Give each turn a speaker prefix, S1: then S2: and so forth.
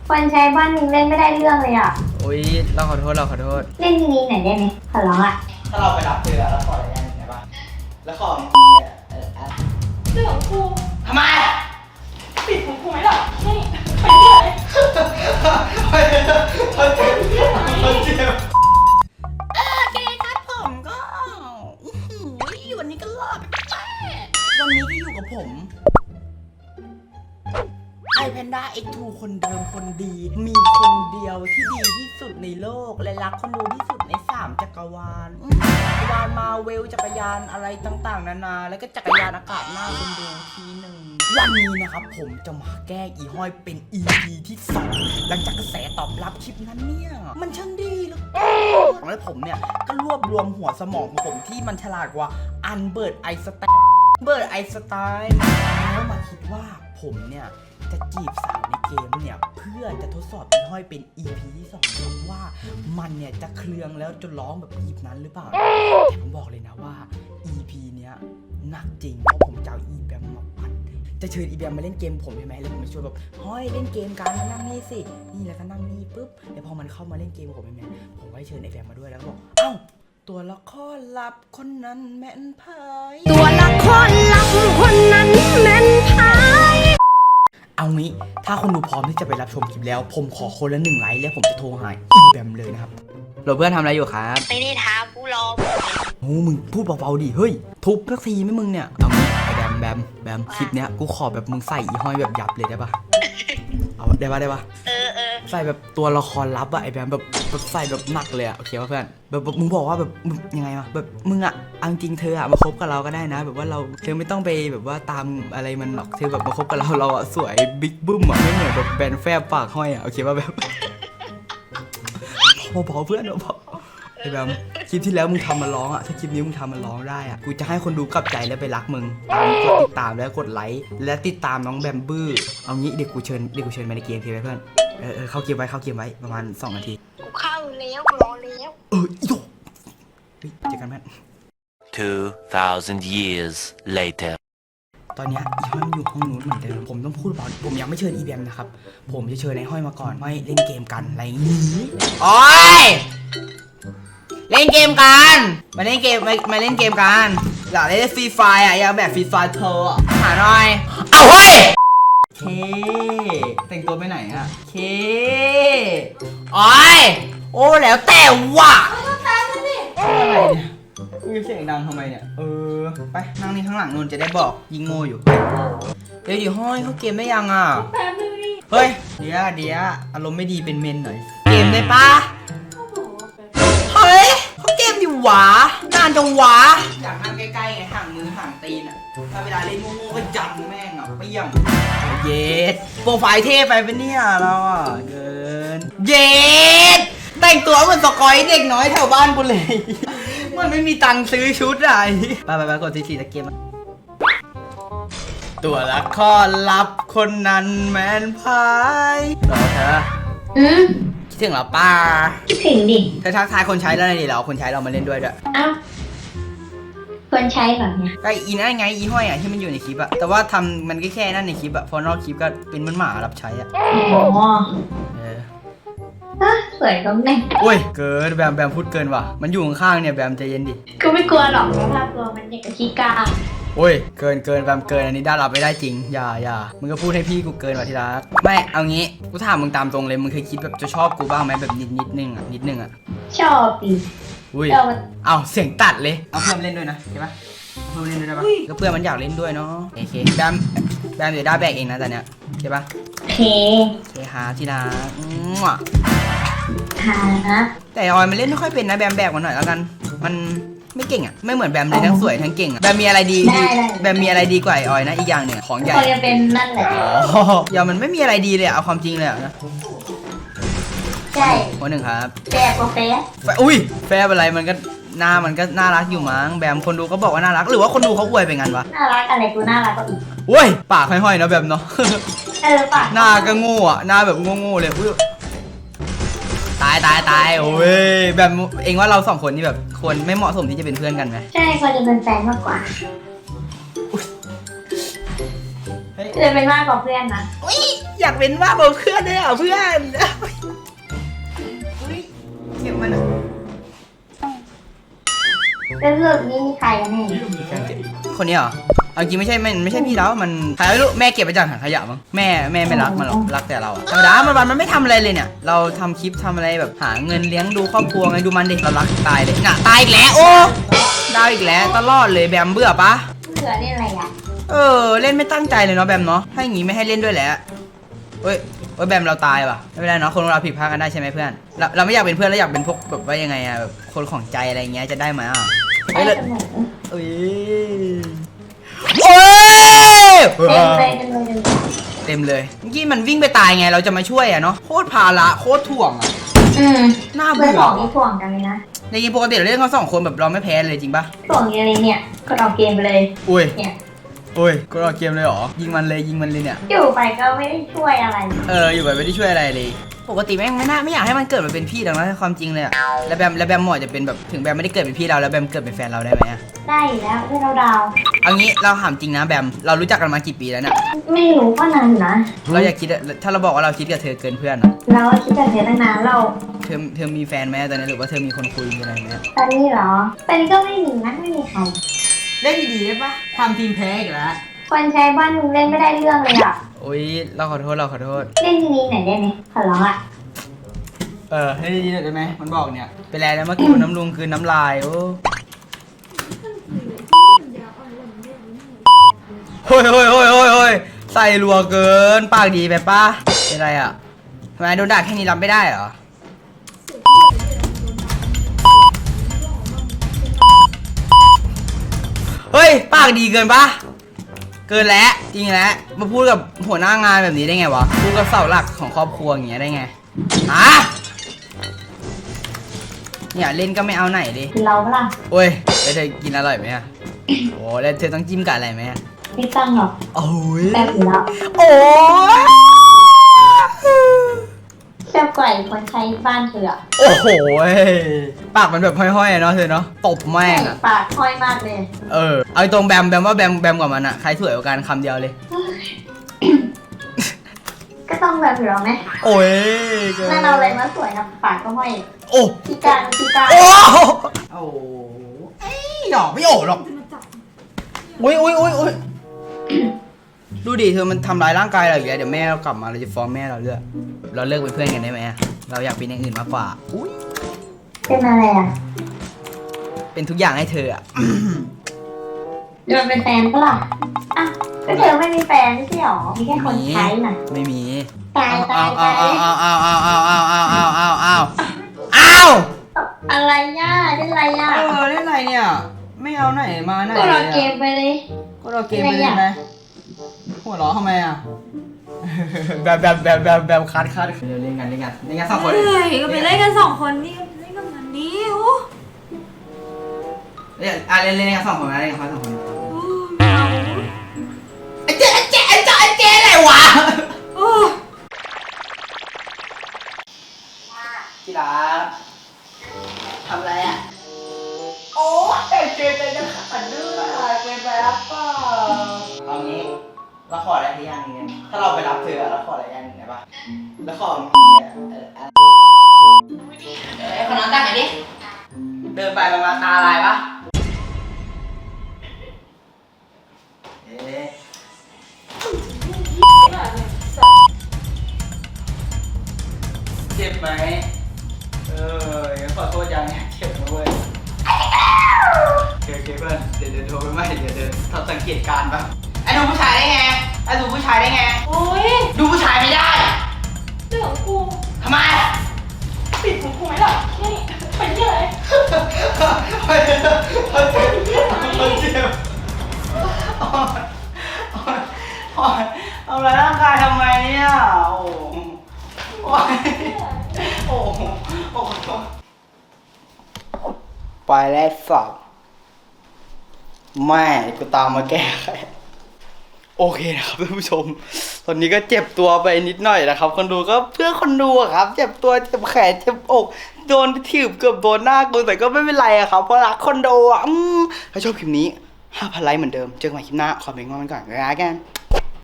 S1: คนใช้บ้านมึงเล่นไม่ได้เรื่องเลยอ่ะ
S2: อุ้ยเราขอโทษ
S1: เล่นทีนี้หน่อยได้ไหมขอร้องอ่ะ
S3: ถ้าเราไปรับเธอแล้วขออะไรได้ไหมบ้างแล้วขอ
S4: เรื่องของกู
S3: ทำไม
S4: ปิดของกูไหมล่ะนี่ไปเลย
S3: เจ็บเจ็บ
S4: โอเคครับผมก็วันนี้ก็รอดไปวันนี้ก็อยู่กับผมไอแพนด้า X2 คนเดิมคนดี มีคนเดียวที่ดีที่สุดในโลกและรักคนดูที่สุดใน3จักรวาลจักรวาลมาเวลจักรยานอะไรต่างๆนานาแล้วก็จักรยานอากาศหน้าคนดูทีหนึ่งวันนี้นะครับผมจะมาแก้อีห้อยเป็น EP ที่2หลังจากกระแสตอบรับคลิปนั้นเนี่ยมันช่างดีเหลือเกินแล้วผมเนี่ยก็รวบรวมหัวสมองของผมที่มันฉลาดกว่าอันเบิร์ตไอน์สไตน์แล้วมาคิดว่าผมเนี่ยจะจีบสาวในเกมเนี่ยเพื่อจะทดสอบอีห้อยเป็น EP ที่2ครับว่ามันเนี่ยจะเครืองแล้วจะร้องแบบอีฟนั้นหรือเปล่าแต่ผมบอกเลยนะว่า EP เนี้ยหนักจริงเพราะผมจะเอาอีแบมมาปั่นจะเชิญอีแบมมาเล่นเกมผมใช่ไหมแล้วผมจะชวนแบบห้อยเล่นเกมกันมานั่งนี่สินี่แล้วก็นั่งนี่ปุ๊บแล้วพอมันเข้ามาเล่นเกมผมใช่ไหมผมก็เชิญไอ้แบมมาด้วยแล้วก็บอกเอ้าตัวละครลับคนนั้นแม่นพายตัวละครลับคนนั้นแม่นพายเอางี้ถ้าคนดูพร้อมที่จะไปรับชมคลิปแล้วผมขอคนละ1 ไลค์แล้วผมจะโทรหาอีแบมเลยนะครับ
S2: เราเพื่อนทำอะไรอยู่ครับ
S1: ไม่ได้ทำกูรอ
S2: โอ้มึงพูดเบาๆดิเฮ้ยทุบสักทีไหมมึงเนี่ยเอางี้ไอ้แบมคลิปเนี้ยกูขอแบบมึงใส่อีห้อยแบบยับเลยได้ปะเอาได้ปะใส่แบบตัวละครลับอะไอ้แบมแบบใส่แบบหนักเลยอะโอเคป่ะเพื่อนแบบมึงบอกว่าแบบมึงยังไงวะแบบมึงอะเอาจริงเธออะมาคบกับเราก็ได้นะแบบว่าเธอไม่ต้องไปแบบว่าตามอะไรมันหรอกเธอแบบมาคบกับเราอะสวยบิ๊กบึ้มอะไม่เหมือนแบบแบนแฟบปากห้อยอะโอเคป่ะแบบพอเพื่อนพอไอ้แบมคลิปที่แล้วมึงทำมาร้องอะถ้าคลิปนี้มึงทำมาร้องได้อะกูจะให้คนดูกลับใจแล้วไปรักมึงกดติดตามแล้วกดไลค์และติดตามน้องแบมบื้อเอางี้เดี๋ยวกูเชิญมาในเกมทีไปเพื่อนเข้าเกมไว้ประมาณ2 นาที
S1: กูเข้าแล้วกูรอแล้ว
S2: อีโดเฮ้ยเจอกันแม่
S5: 2,000 years later
S2: ตอนนี้อีห้อยมันอยู่ห้องนู้นเหมือนเดิมผมต้องพูดเปล่าผมยังไม่เชิญอีแบมนะครับผมจะเชิญไอ้ห้อยมาก่อนไม่เล่นเกมกันอะไรอย่างนี้โอ้ยเล่นเกมกันมาเล่นเกมกันอยากเล่นฟรีไฟอ่ะอยากแบบฟรีไฟเธอหาหน่อยเอาเฮ้ยเคแต่งตัวไปไหนอะเคโอ้ยโอ้แล้วแต่ว่ะอะไรเนี่ยมึงเสียงดังทำไมเนี่ยไปนั่งนี่ข้างหลังนู่นจะได้บอกยิงโง่อยู่เดี๋ยวห้อยเขาเกมได้ยังอ่ะ
S4: แป๊บนึงดิ
S2: เฮ้ยเดี๋ยวอารมณ์ไม่ดีเป็นเมนหน่อยเกมได้ปะเฮ้ยเขาเกมอยู่หวานานจังหวาอยากนั่งใกล้ๆไงห่างมือห่างตีนอ่ะถ้าเวลาเล่นโง่ๆก็จับแม่งอ่ะเปี้ยงเย็ดโปรไฟล์เท่ไปเป็นเนี่ยเราอ่ะเกินเย็ดแต่งตัวเหมือนสกอยเด็กน้อยแถวบ้านกูเลยมันไม่มีตังค์ซื้อชุดอะไรไปกดทีตะเกียบตัวละครลับคนนั้นแมนพายรอเธอคิดถึงเหรอป้า
S1: ถึงดิ
S2: เธอทักทายคนใช้แล้วนี่เหรอคนใช้เรามาเล่นด้วย
S1: อ้าวคนใช้แบบเนี้ย
S2: ก็อีนั่นไงอีห้อยอ่ะที่มันอยู่ในคลิปอะแต่ว่าทำมันก็แค่นั่นในคลิปอะพอนอกคลิปก็เป็นเหมือนหมารับใช้อะ
S1: อ๋อสวยก็แม่
S2: โอ้ยเกินแบมพูดเกินว่ะมันอยู่ข้างๆเนี่ยแบมใจเย็นดิ
S1: ก็ไม่กลัวหรอกเพราะถ้ากลัวมันอย่างกับขี้กา
S2: โอ้ยเกินแบมเกินอันนี้ได้รับไม่ได้จริงอย่ามึงก็พูดให้พี่กูเกินว่ะทีรักไม่เอางี้กูถามมึงตามตรงเลยมึงเคยคิดแบบจะชอบกูบ้างไหมแบบนิดนึงอะ
S1: ชอบดิ
S2: อุ้ยเอาเสียงตัดเลยเอาเพื่อนเล่นด้วยนะใช่ปะเพื่อนเล่นด้วยได้ปะก็เพื่อนมันอยากเล่นด้วยเนาะโอเคแบมเดี๋ยวได้แบกเองนะตอนเนี้ยใช่ปะ
S1: โอเค
S2: หาทีรัก
S1: นะ
S2: แต่ออยมันเล่นไม่ค่อยเป็นนะแบมแบกมันหน่อยแล้วกันมันไม่เก่งอ่ะไม่เหมือนแบมเลยทั้งสวยทั้งเก่งอ่ะแบมมีอะไรดีแบมมีอะไรดีกว่าออยนะอีกอย่างหนึ่งของใหญ่
S1: ออยจะเป็นนั่นแหละ
S2: อย่ามันไม่มีอะไรดีเลยเอาความจริงเลยนะ
S1: ใช่
S2: คนหนึ่งครับ
S1: แฟร์กว่าแฟร์
S2: อุ้ยแฟร์อะไรมันก็หน้ามันก็น่ารักอยู่มั้งแบมคนดูก็บอกว่าน่ารักหรือว่าคนดูเขาอวยไปงั้นวะ
S1: น่ารักอะไรกูน่ารักก็อีก
S2: โอ้ยปากห้อยๆนะแบมเนาะ
S1: ปาก
S2: หน้าก็โง่อะหน้าแบบโง่ๆเลยตายโอ้ยแบบเองว่าเรา2 คนนี่แบบควรไม่เหมาะสมที่จะเป็นเพื่อนกันไหม
S1: ใช่ควรจะเป็นแฟนมากกว่า
S2: เฮ้ย
S1: จะเป็นมากกว่าเพื่อนนะ
S2: อุ๊ยอยากเป็นมากกว่าเพื่อนเลยอ่ะเพื่อนอุ๊ยเก็บมันอะ
S1: แล้วสรุปนี่มีใครกันแน่
S2: คนนี้เหรอเอาจริงไม่ใช่ไม่ใช่พี่แล้วมันใครไม่รู้แม่เก็บไปจากถังขยะมั้งแม่ไม่รักมันหรอกรักแต่เราอะธรรมดามันไม่ทำอะไรเลยเนี่ยเราทำคลิปทำอะไรแบบหาเงินเลี้ยงดูครอบครัวไงดูมันดิเรารักตายเลยน่ะตายอีกแล้วโอ้ดาวอีกแล้วตลอดเลยแบมเบื่อปะ
S1: เผื่อเล่นอะไรอ่ะ
S2: เล่นไม่ตั้งใจเลยเนาะแบมเนาะถ้าอย่างงี้ไม่ให้เล่นด้วยแหละเฮ้ยแบมเราตายว่ะไม่เป็นไรเนาะคนเราผิดพลาดกันได้ใช่ไหมเพื่อนเราไม่อยากเป็นเพื่อนแล้วอยากเป็นพวกแบบว่ายังไงอะแบบคนของใจอะไรเงี้ยจะได้ไหมอ่ะ
S1: ได้เสมอ
S2: โอ้ย
S1: เต็มเลย
S2: เต็มเลยเมื่อกี้มันวิ่งไปตายไงเราจะมาช่วยอะเนาะโคตรภาระโคตรถ่วงอะ น่า
S1: เพื่
S2: เบื่
S1: อน
S2: อ
S1: ของนี่ถ่วงกันเลยนะ
S2: ในเกมปกติเราเล่นกัน2 คนแบบเราไม่แพ้เลยจริงปะ
S1: ถ่วงอะไรเนี่ยก็ออกเกมไปเลย
S2: อุ้ย
S1: เนี่ย
S2: อุ้ยก็รอเกมเลยเหรอยิงมันเลยเนี่ย
S1: อยู่ไปก็ไม่ได้ช่วยอะไร
S2: อยู่แบบไม่ได้ช่วยอะไรเลย ปกติแม่งไม่อยากให้มันเกิดมาเป็นพี่หรอกนะความจริงเลยอะแล้วแบมหมอจะเป็นแบบถึงแบมไม่ได้เกิดเป็นพี่เราแล้วแบมเกิดเป็นแฟนเราได้ไหมอะ
S1: ได้อยู่แล้วเพื่อนเราดาว
S2: เอางี้เราถามจริงนะแบมเรารู้จักกันมากี่ปีแล้วเนี่ย
S1: ไม่รู้ก็นานอยู่นะ
S2: เราอยากคิดอะถ้าเราบอกว่าเราคิดกับเธอเกินเพื่อนอะ
S1: เราคิดกันเสียตั้งนานเรา
S2: เธอมีแฟนไหมตอนนี้หรือว่าเธอมีคนคุยมีอะไรไหม
S1: ตอนนี้เหรอตอนนี้ก็ไม่มีนะไม่มีใคร
S2: เล่นดีๆได้ปะทำทีมแพ้อีกแล้ว
S1: คนใช้บ้านมึงเล่นไม่ได้เรื่องเลยอ่ะ
S2: โอ๊ยเราขอโทษ
S1: เล่นทีนี้ไหนได้ไหมขอร้องอ่ะ
S2: ให้ดีๆหน่อยได้ไหมมันบอกเนี่ยเป็นแล้วเมื่อกี้น้ำลุงคือน้ำลายโอ้โอ้ยใส่รัวเกินปากดีไปปะเป็นไรอ่ะทำไมโดนด่าแค่นี้รับไม่ได้เหรอเฮ้ยปากดีเกินปะเกินแล้วจริงแล้วมาพูดกับหัวหน้างานแบบนี้ได้ไงวะพูดกับเสาหลักของครอบครัวอย่างเงี้ยได้ไงฮะเนี่ยเล่นก็ไม่เอาไหนดิ
S1: คือเราเปล่า
S2: โอ้ยแล้วเธอกินอร่อยไหมอะโอ้แล้วเธอต้องจิ้มกับอะไรไหมอะ
S1: ไม่ตั้งหรอก
S2: โอ้ย
S1: แบบอยู่แล้ว
S2: โอ้ย
S1: เจ้าก่อยคนใช้บ้านเถื่อ
S2: โอ้โหปากมันแบบห้อยๆอะเนาะเธอเนาะตบแม่งอะ
S1: ปากห้อยมากเลย
S2: เอาตรงแบมว่าแบมกว่ามันอะใครสวยกว่ากันคำเดียวเลย
S1: ก็ต้องแบบอยู่แล้วไหม
S2: โอ้ย
S1: นั่นเอาอะไรมาสวยนะปากก็ห้อย
S2: โอ้
S1: พิการ
S2: โอ้โอ้หยอกไม่โอ้หรอกอุ้ยดูดิเธอมันทำร้ายร่างกายเราอย่างเงี้ยเดี๋ยวแม่เรากลับมาเราจะฟ้องแม่เราเลือกเราเลิกเป็นเพื่อนกันได้ไหมอะเราอยากเป็นอย่างอื่นมากกว่าอุ้ย
S1: เป็นอะไรอ่ะ
S2: เป็นทุกอย่างให้เธออะ
S1: โดนเป็นแฟนปะล่ะอ่ะก็เธอไม่มีแฟนไม่ใช่หรอมีแค่คนใช้น่ะ
S2: ไม่มี
S1: ตาย
S2: เอา
S1: ตาย
S2: เอา
S1: อะไรย่าเล่นอะไรย่า
S2: เล่นอะไรเนี่ยไม่เอาไหนมาไหน
S1: ก็รอเกมไปเลย
S2: ก็รอเกมไปเลยไหมหัวเราะทำไมอ่ะแบบคัดเล่นกันสองคน
S5: เฮ้ยก็ไปเล่นกัน2 คนนี่เล่นกับมันนี่โอ้
S2: เล่นกันสองคนนะเล่นกัน2 คน
S5: ไม่เอา
S2: ไอ้เจ๊อะไรวะ
S5: โอ้
S2: ที่รักทำอะไรอ่ะโอ้เจ๊จะขัดด้วยเกินไปรับเปล่าเอางี้เราขออะไรที่อย่างนึงถ้าเราไปรับเธอเราขออะไรอย่างนึงได้ปะแล้วขอมีคนนั้นตั้งไหนดิเดินไปประมาณตาลายปะเจ็บไหมขอโทษยังเจ็บนะเว้ยโอเคเพื่อนเดี๋ยวโทรไปใหม่เดี๋ยวทำสังเกตการณ์ปะไอ้ดูผู้ชายได้ไงดูผู้ชายไม่ได้
S5: เรื่องของกู
S2: ทำไม
S5: ปิดของกูไหมล่ะนี่ไปที่ไหน
S2: มันเจ็บเอาอะไรร่างกายทำไมเนี่ยโอ้ไปแล้วสับแม่กูตามมาแก้ไขโอเคนะครับท่านผู้ชมตอนนี้ก็เจ็บตัวไปนิดหน่อยนะครับคนดูก็เพื่อคนดูอะครับเจ็บตัวเจ็บแขนเจ็บอกโดนถีบเกือบโดนหน้ากูแต่ก็ไม่เป็นไรอะครับเพราะรักคนดูอะถ้าชอบคลิปนี้ 5,000 ไลค์เหมือนเดิมเจอกันใหม่คลิปหน้าขอเป็นกำลังใจก่อนแล้วกัน